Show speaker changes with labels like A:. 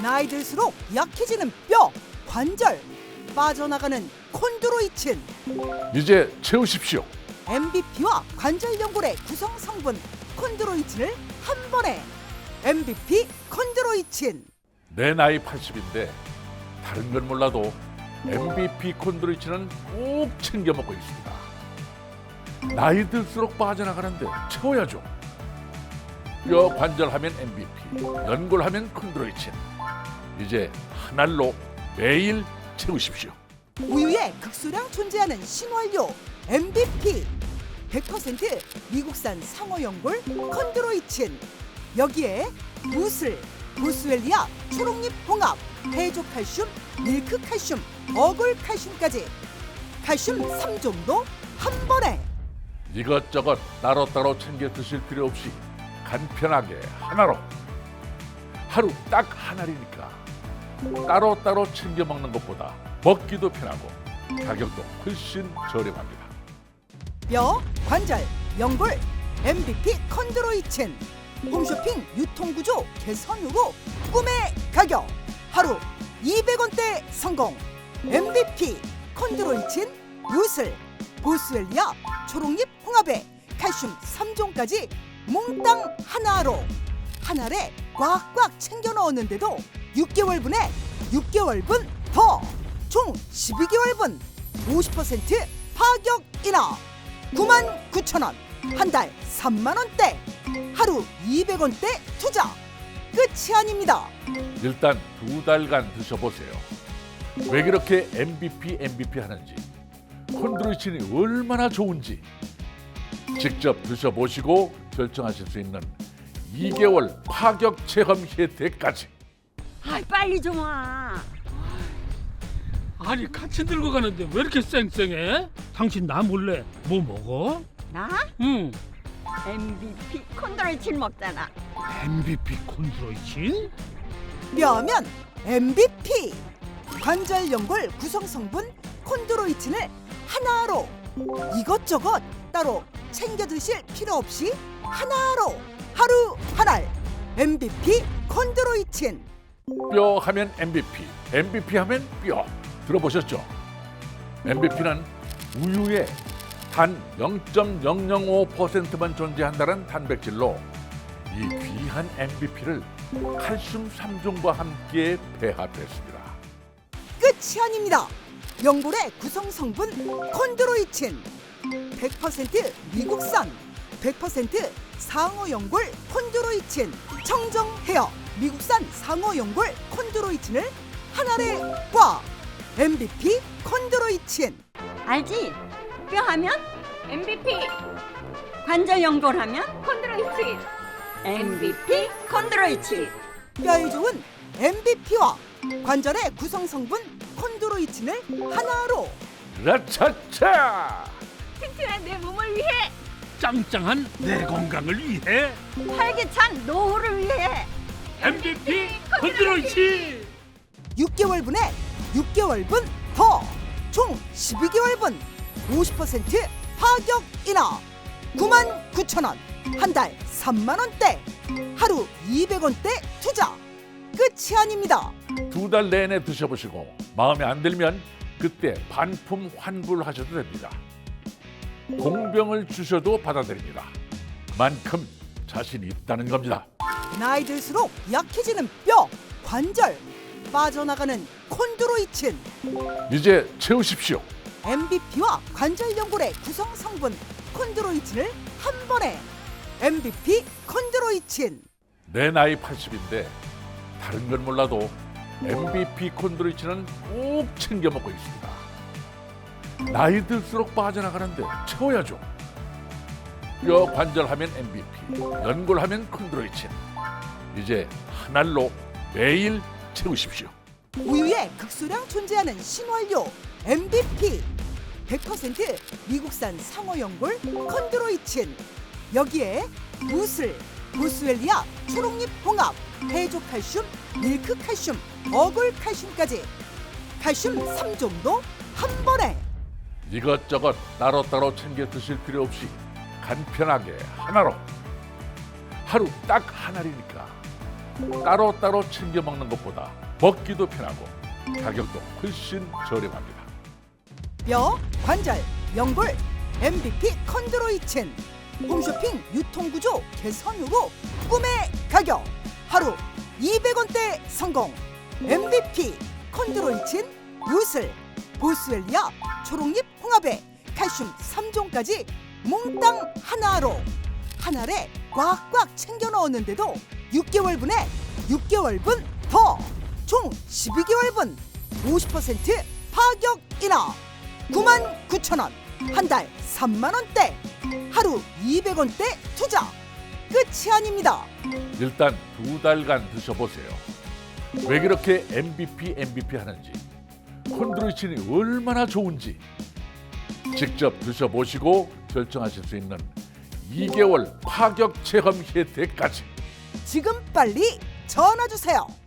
A: 나이 들수록 약해지는 뼈, 관절, 빠져나가는 콘드로이친.
B: 이제 채우십시오.
A: MVP와 관절 연골의 구성 성분 콘드로이친을 한 번에. MVP 콘드로이친.
B: 내 나이 80인데 다른 건 몰라도 MVP 콘드로이친은 꼭 챙겨 먹고 있습니다. 나이 들수록 빠져나가는데 채워야죠. 뼈 관절 하면 MVP, 연골 하면 콘드로이친. 이제 한 알로 매일 채우십시오.
A: 우유에 극소량 존재하는 신원료 MVP 100% 미국산 상어연골 콘드로이친. 여기에 무슬, 보스웰리아 초록잎 홍합, 해조칼슘, 밀크칼슘, 어글칼슘까지 칼슘 3종도 한 번에.
B: 이것저것 따로따로 챙겨 드실 필요 없이 간편하게 하나로. 하루 딱 한 알이니까 따로따로 챙겨 먹는 것보다 먹기도 편하고 가격도 훨씬 저렴합니다.
A: 뼈, 관절, 연골 MVP 콘드로이친. 홈쇼핑 유통구조 개선 후로 꿈의 가격 하루 200원대 성공. MVP 콘드로이친 무슬, 보스웰리아 초록잎 홍합에 칼슘 3종까지 몽땅 하나로. 한 알에 꽉꽉 챙겨 넣었는데도 6개월분에 6개월분 더, 총 12개월분 50% 파격 인하. 99,000원, 한 달 3만원대, 하루 200원대 투자. 끝이 아닙니다.
B: 일단 2달간 드셔보세요. 왜 그렇게 MVP 하는지, 콘드로이친이 얼마나 좋은지 직접 드셔보시고 결정하실 수 있는 2개월 파격 체험 혜택까지.
C: 아이 빨리 좀 와.
D: 아니 같이 들고 가는데 왜 이렇게 쌩쌩해? 당신 나 몰래 뭐 먹어?
C: 나
D: 응.
C: MVP 콘드로이친 먹잖아.
D: MVP 콘드로이친?
A: 뼈면 MVP 관절 연골 구성 성분 콘드로이친을 하나로. 이것저것 따로 챙겨 드실 필요 없이 하나로. 하루 한 알 MVP 콘드로이친.
B: 뼈 하면 MVP 하면 뼈. 들어보셨죠? MVP는 우유에 단 0.005%만 존재한다는 단백질로 이 귀한 MVP를 칼슘 3종과 함께 배합했습니다.
A: 끝이 아닙니다. 연골의 구성 성분 콘드로이친 100% 미국산 100% 상어 연골 콘드로이친. 청정 헤어 미국산 상어 연골 콘드로이친을 한 알에 꽉. MVP 콘드로이친.
C: 알지? 뼈 하면 MVP, 관절 연골 하면
E: 콘드로이친
C: MVP 콘드로이친.
A: 뼈에 좋은 MVP와 관절의 구성 성분 콘드로이친을 하나로.
B: 라차차!
E: 튼튼한 내 몸을 위해
D: 짱짱한 내 건강을 위해
C: 활기찬 노후를 위해
D: MVP 콘드로이친.
A: 6개월분에 6개월분 더, 총 12개월분 50% 파격 인하. 99,000원, 한 달 3만원대, 하루 200원대 투자. 끝이 아닙니다.
B: 2달 내내 드셔보시고 마음에 안 들면 그때 반품 환불하셔도 됩니다. 공병을 주셔도 받아드립니다. 만큼 자신이 있다는 겁니다.
A: 나이 들수록 약해지는 뼈, 관절, 빠져나가는 콘드로이친.
B: 이제 채우십시오.
A: MVP와 관절 연골의 구성 성분 콘드로이친을 한 번에. MVP 콘드로이친.
B: 내 나이 80인데 다른 건 몰라도 MVP 콘드로이친은 꼭 챙겨 먹고 있습니다. 나이 들수록 빠져나가는데 채워야죠. 뼈 관절 하면 MVP, 연골 하면 콘드로이친. 이제 한 알로 매일 채우십시오.
A: 우유에 극소량 존재하는 신원료 MVP 100% 미국산 상어 연골 콘드로이친. 여기에 무슬, 보스웰리아 초록잎 홍합, 해조칼슘, 밀크칼슘, 어글칼슘까지 칼슘 3종도 한 번에.
B: 이것저것 따로따로 챙겨 드실 필요 없이 간편하게 하나로. 하루 딱 한 알이니까 따로따로 챙겨 먹는 것보다 먹기도 편하고 가격도 훨씬 저렴합니다.
A: 뼈, 관절, 연골, MVP 컨드로이친. 홈쇼핑 유통구조 개선 후로 꿈의 가격 하루 200원대 성공. MVP 컨드로이친 무슬, 보스웰리아, 초록잎 홍합에 칼슘 3종까지 몽땅 하나로 한 알에 꽉꽉 챙겨 넣었는데도 6개월분에 6개월분 더 총 12개월분 50% 파격 인하 99,000원 한 달 3만원대 하루 200원대 투자 끝이 아닙니다.
B: 일단 2달간 드셔보세요. 왜 그렇게 MVP 하는지, 콘드로이친이 얼마나 좋은지 직접 드셔보시고 결정하실 수 있는 2개월 파격 체험 혜택까지
A: 지금 빨리 전화 주세요.